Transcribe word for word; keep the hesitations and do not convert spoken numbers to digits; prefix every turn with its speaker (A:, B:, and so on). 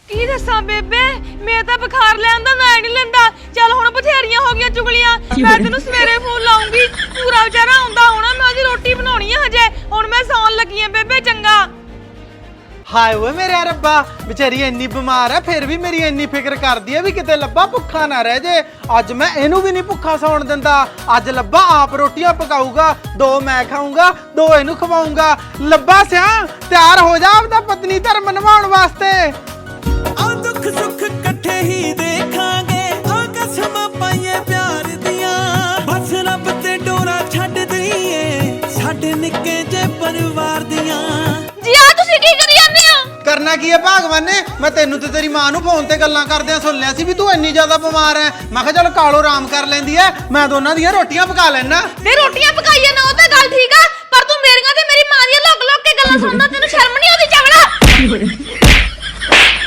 A: की दसा बेबे मैं तो बुखार लैंदा ना नहीं लेंदा चल हुण बथेरियां हो गई चुगलियां मैं तेनू सवेरे फोन लाऊंगी पूरा बेचारा आंदा होना मैं अजी रोटी बनाउणी है हजे हुण मैं सौन लगी हां बेबे चंगा
B: हाय वे मेरे रब्बा बेचारी इन्नी बीमार है फिर भी मेरी इन्नी फिक्र करदी है भी किते लब्बा भुखा ना रह जे अज मैं इनू भी नहीं भुखा सौण दिंदा अज लब्बा आप रोटियां पकाऊगा दो मैं खाऊंगा दो इनू खवाऊंगा लब्बा सिया तैयार हो जा अपना पत्नी धर्म निभाउण वास्ते
C: आ दुख सुख इकट्ठे ही देखांगे आ कसमां पाईए प्यार दियां बस रब ते डोरा छड्ड दईए साडे निक्के जे परिवार दियां
A: जी आ तुसी की करी जांदे हो
B: करना की है भगवान ने मैं तेनू ते तेरी मां नू फोन ते गल्लां करदे सुन लिया सी भी तू इन्नी ज्यादा बीमार है मैं कहा चल कालो आराम कर लेंदी है मैं दोनों दियां रोटियां पका लेना
A: ते रोटियां पकाईए ना ओ ते गल ठीक आ पर तू मेरियां ते मेरी मां दियां लोक लोक के गल्लां सुनदा तेनू शर्म नहीं आउंदी चवड़ा